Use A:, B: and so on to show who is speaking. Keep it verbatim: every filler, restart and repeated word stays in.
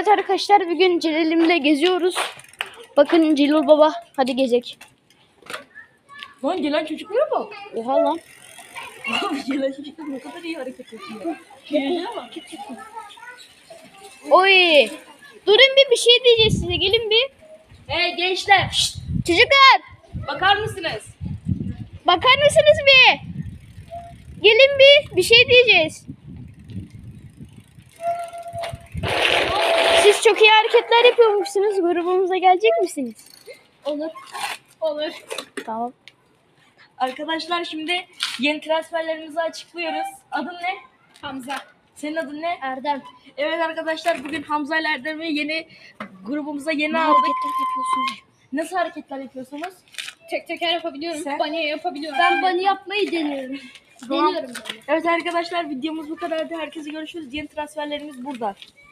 A: Evet arkadaşlar, bugün Celal'imle geziyoruz. Bakın Celal baba, hadi gezek.
B: Lan gelen çocuklara bak.
A: Oha lan.
B: Abi gelen çocuklar ne kadar iyi hareket ediyor. Gelene bak.
A: Oy. Durun bir bir şey diyeceğiz size, gelin bir.
B: Hey gençler. Şşt,
A: Çocuklar,
B: bakar mısınız?
A: bakar mısınız bir? Gelin bir, bir şey diyeceğiz. Siz çok iyi hareketler yapıyormuşsunuz. Grubumuza gelecek misiniz?
B: Olur. Olur.
A: Tamam.
B: Arkadaşlar şimdi yeni transferlerimizi açıklıyoruz. Adın ne?
C: Hamza.
B: Senin adın ne?
C: Erdem.
B: Evet arkadaşlar, bugün Hamza ile Erdem'i yeni grubumuza yeni
A: Ne
B: aldık.
A: hareketler yapıyorsunuz?
B: Nasıl hareketler yapıyorsunuz?
C: Tek teker yapabiliyorum.
B: Sen?
C: Bunny yapabiliyorum.
A: Ben bunny yapmayı deniyorum.
B: Tamam.
C: Deniyorum böyle.
B: Evet arkadaşlar, videomuz bu kadardı. Herkese görüşürüz. Yeni transferlerimiz burada.